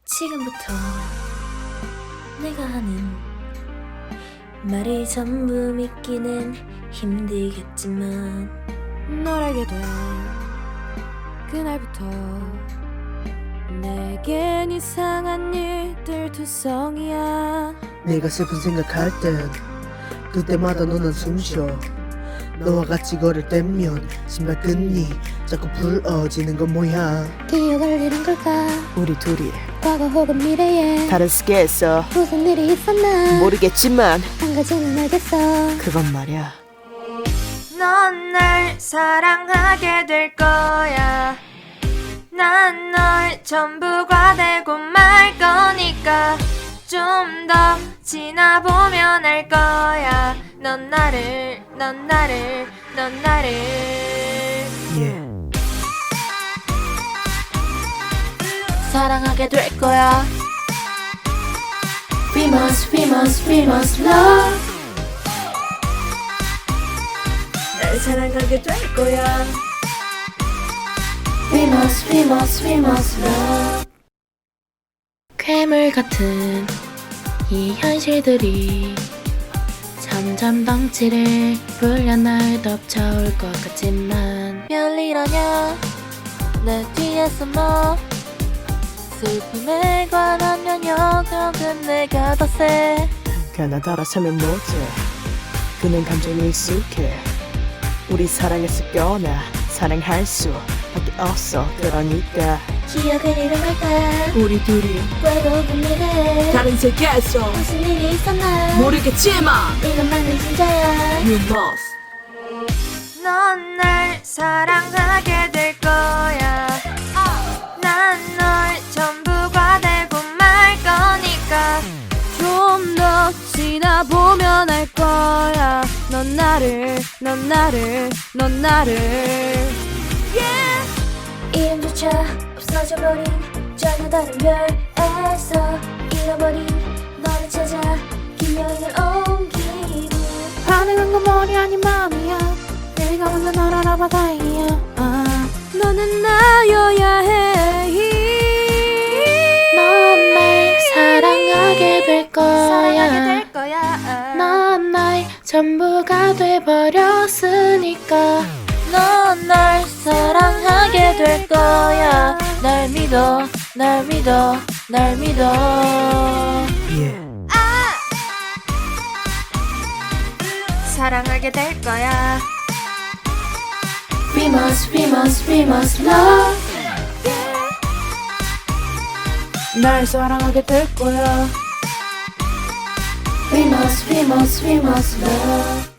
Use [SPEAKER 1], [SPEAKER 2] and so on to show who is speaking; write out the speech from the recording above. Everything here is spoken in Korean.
[SPEAKER 1] 지금부터 내가 하는 말이 전부 믿기는 힘들겠지만
[SPEAKER 2] 널 알게 된 그날부터 내겐 이상한 일들 투성이야.
[SPEAKER 3] 내가 슬픈 생각할 땐 그때마다 너는 숨쉬어. 너와 같이 걸을 때면 신발끈이 자꾸 부러지는 건 뭐야.
[SPEAKER 2] 기억을 잃은 걸까?
[SPEAKER 4] 우리 둘이
[SPEAKER 2] 과거 혹은 미래에
[SPEAKER 4] 다른 세계에서
[SPEAKER 2] 무슨 일이 있었나?
[SPEAKER 4] 모르겠지만
[SPEAKER 2] 한 가지는 알겠어.
[SPEAKER 4] 그건 말이야,
[SPEAKER 1] 넌 날 사랑하게 될 거야. 난 널 전부가 되고 말 거니까 좀 더 지나보면 알 거야. 넌 나를
[SPEAKER 3] 예.
[SPEAKER 1] 사랑하게 될 거야. We must love. 날 사랑하게 될 거야. We must love. 괴물 같은 이 현실들이 점점 덩치를 불려 날 덮쳐올 것 같지만 별일 아냐. 내 뒤에서 뭐 슬픔에 관한 면역력은 내가 더 세.
[SPEAKER 4] 그나 따라서면 뭐지. 그는 감정에 익숙해. 우리 사랑했을거나 사랑할 수밖에 없어. 그러니까
[SPEAKER 1] 기억을 잃은 걸까?
[SPEAKER 4] 우리 둘이
[SPEAKER 1] 외로운 미래에
[SPEAKER 4] 다른 세계에서
[SPEAKER 1] 무슨 일이 있었나?
[SPEAKER 4] 모르겠지만
[SPEAKER 1] 이것만은 진짜야.
[SPEAKER 4] You must.
[SPEAKER 1] 넌 날 사랑하게 될 거야. 난 널 전부가 되고 말 거니까
[SPEAKER 2] 좀 더 지나보면 알 거야. 넌 나를
[SPEAKER 1] 이름조차 없어져버린 전혀 다른 별에서 잃어버린 너를 찾아 긴 여행을 온 기분.
[SPEAKER 2] 반응한 건 머리 아닌 마음이야. 내가 먼저 널 알아봐 다행이야. 너는 나여야 해.
[SPEAKER 1] 넌 날 사랑하게 될 거야. 넌 나의 전부가 돼버렸으니까 넌 날 사랑하게 될 거야. 날 믿어.
[SPEAKER 3] 예.
[SPEAKER 1] 사랑하게 될 거야. We must love.
[SPEAKER 2] 날 사랑하게 될 거야.
[SPEAKER 1] We must love.